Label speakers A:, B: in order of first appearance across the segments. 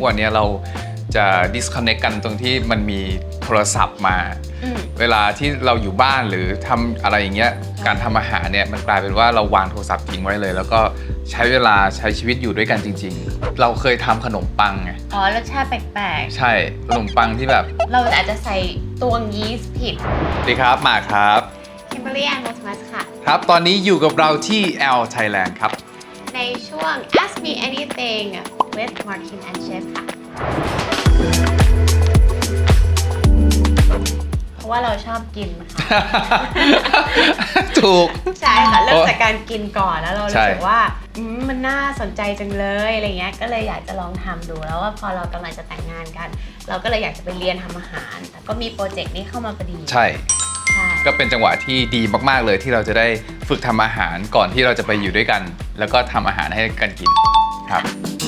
A: วันนี้เราจะ disconnect กันตรงที่มันมีโทรศัพท์มาเวลาที่เราอยู่บ้านหรือทำอะไรอย่างเงี้ยการทำอาหารเนี่ยมันกลายเป็นว่าเราวางโทรศัพท์ทิ้งไว้เลยแล้วก็ใช้เวลาใช้ชีวิตอยู่ด้วยกันจริงๆเราเคยทำขนมปังไง
B: อ๋อรสชาติแปลก
A: ๆใช่ขนมปังที่แบบ
B: เราอาจจะใส่ตวงยีสต์ผิด
A: สวัสดีครับมาครับ
B: คิมเบอร์รี่แอนด์โมทมัสค่ะ
A: ครับตอนนี้อยู่กับเราที่ L Thailand ครับ
B: ในช่วง Ask Me Anything with Martin and Chef ค่ะเพราะว่าเราชอบกินค่ะ
A: ถูก
B: ใช่ค่ะเริ่มจากการกินก่อนแล้วเรารู้สึกว่ามันน่าสนใจจังเลยอะไรเงี้ยก็เลยอยากจะลองทำดูแล้วว่าพอเรากำลังจะแต่งงานกันเราก็เลยอยากจะไปเรียนทำอาหารแต่ก็มีโปรเจกต์นี้เข้ามาพอดี
A: ใช่ก็เป็นจังหวะที่ดีมากๆเลยที่เราจะได้ฝึกทำอาหารก่อนที่เราจะไปอยู่ด้วยกันแล้วก็ทำอาหารให้กันกินครับ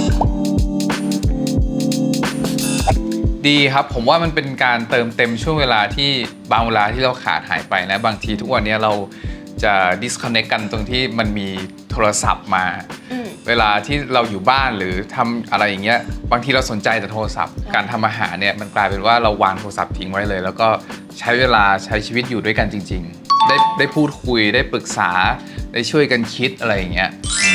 A: ดีครับผมว่ามันเป็นการเติมเต็มช่วงเวลาที่บางเวลาที่เราขาดหายไปนะบางทีทุกวันนี้เราจะ disconnect กันตรงที่มันมีโทรศัพท์มาเวลาที่เราอยู่บ้านหรือทำอะไรอย่างเงี้ยบางทีเราสนใจแต่โทรศัพท์การทำอาหารเนี่ยมันกลายเป็นว่าเราวางโทรศัพท์ทิ้งไว้เลยแล้วก็ใช้เวลาใช้ชีวิตอยู่ด้วยกันจริงๆได้พูดคุยได้ปรึกษาได้ช่วยกันคิดอะไรอย่างเงี้ย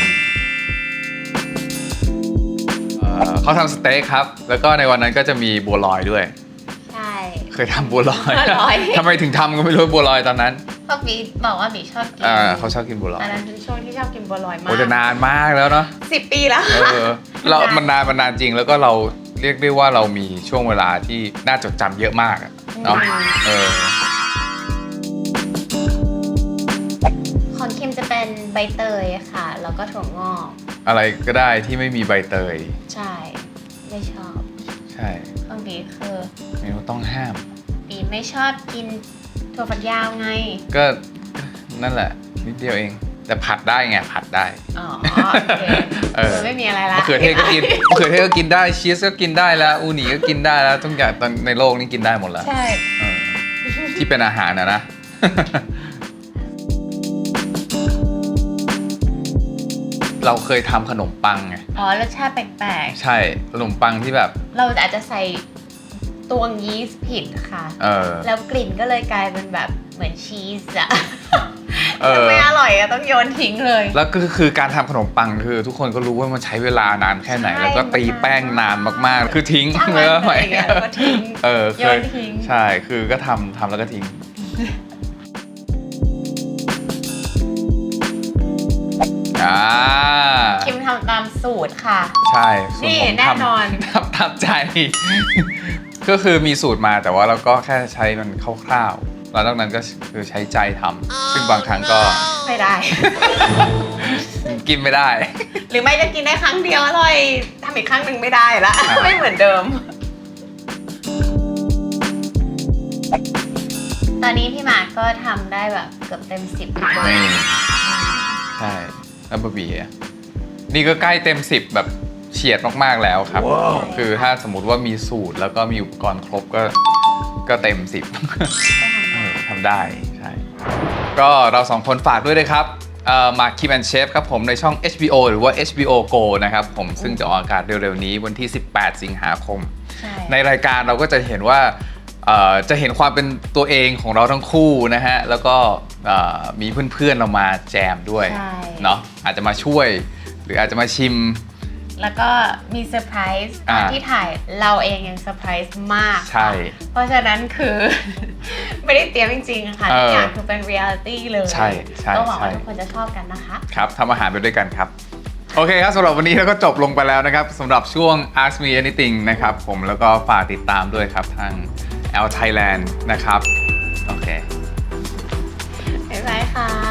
A: เขาทำสเต็กครับแล้วก็ในวันนั้นก็จะมีบัวลอยด้วย
B: ใช่
A: เคยทำบัวลอยทำไมถึงทำก็ไม่รู้บัวลอยตอนนั้น
B: เพราะบีบอกว่าบีชอบกิน
A: เขาชอบกินบัวลอย
B: ตอนนั้นเป็นช่วงที่ชอบกินบัวลอยมาก
A: โอ้จะนานมากแล้วเนาะ
B: 10 ปีแล้ว
A: เรามันนานจริงแล้วก็เราเรียกได้ว่าเรามีช่วงเวลาที่น่าจดจำเยอะมากเนาะ
B: ของคิมจะเป็นใบเตยค่ะแล้วก็ถั่วงอก
A: อะไรก็ได้ที่ไม่มีใบเตย
B: ใช่ไม่ชอบ
A: ใช่
B: ของบีคือ
A: เมนูต้องห้าม
B: บีไม่ชอบกินถั่วฝักยาวไง
A: ก็นั่นแหละนิดเดียวเองแต่ผัดได้ไงผัดได้
B: อ๋อโอเคไม่มีอะไรละ
A: มะเขือเทศก็กินมะเขือเทศก็กินได้ชีสก็กินได้แล้วอูนิก็กินได้แล้วทุกอย่างตอนในโลกนี้กินได้หมดแล้ว
B: ใช่
A: ที่เป็นอาหารนะเราเคยทำขนมปังไง
B: อ๋อรสชาติแปลก
A: ๆใช่ขนมปังที่แบบ
B: เราอาจจะใส่ตวงยีสต์ผิดค่ะแล้วกลิ่นก็เลยกลายเป็นแบบเหมือนชีสอะไม่อร่อยอะต้องโยนทิ้งเลย
A: แล้วก็คือการทำขนมปังคือทุกคนก็รู้ว่ามันใช้เวลานานแค่ไหนแล้วก็ตีแป้งนานมากๆคือทิ้ง
B: แล้วไปแล้วก็ทิ้งโยนทิ้ง
A: ใช่คือก็ทำแล้วก็ทิ้ง
B: คิมทำตามสูตรค่ะ
A: ใช่
B: นี่แน่นอน
A: ทำใจก็คือมีสูตรมาแต่ว่าเราก็แค่ใช้มันคร่าวๆแล้วนอกนั้นก็คือใช้ใจทำซึ่งบางครั้งก็
B: ไม่ได้
A: กินไม่ได้
B: หรือไม่ก็กินได้ครั้งเดียวอร่อยทำอีกครั้งหนึ่งไม่ได้ละไม่เหมือนเดิมตอนนี้พี่หมากก็ทำได้แบบเกือบเต็ม10
A: ใช่แล้วบะหมี่นี่ก็ใกล้เต็ม10แบบเฉียดมากๆแล้วครับ คือถ้าสมมุติว่ามีสูตรแล้วก็มีอุปกรณ์ครบก็เต็ม10ทำได้ใช่ก็เรา2คนฝากด้วยนะครับมาคิมแอนด์เชฟครับผมในช่อง HBO หรือว่า HBO Go นะครับผมซึ่งจะออกอากาศเร็วๆนี้วันที่18 สิงหาคมในรายการเราก็จะเห็นว่าจะเห็นความเป็นตัวเองของเราทั้งคู่นะฮะแล้วก็มีเพื่อนๆเรามาแจมด้วยเนาะอาจจะมาช่วยหรืออาจจะมาชิม
B: แล้วก็มีเซอร์ไพรส์ที่ถ่ายเราเองยังเซอร์ไพรส์มาก
A: ใช่
B: เพราะฉะนั้นคือไม่ได้เตรียมจริงๆค่ะทุกอย่างคือเป็นเรียลิตี้เลย
A: ใช่
B: ก็หวังว่าทุกคนจะชอบกันนะคะ
A: ครับทำอาหารไปด้วยกันครับโอเคครับสำหรับวันนี้เราก็จบลงไปแล้วนะครับสำหรับช่วง Ask Me Anything นะครับผมแล้วก็ฝากติดตามด้วยครับทาง L Thailand นะครับโอเค
B: บ๊ายบายค่ะ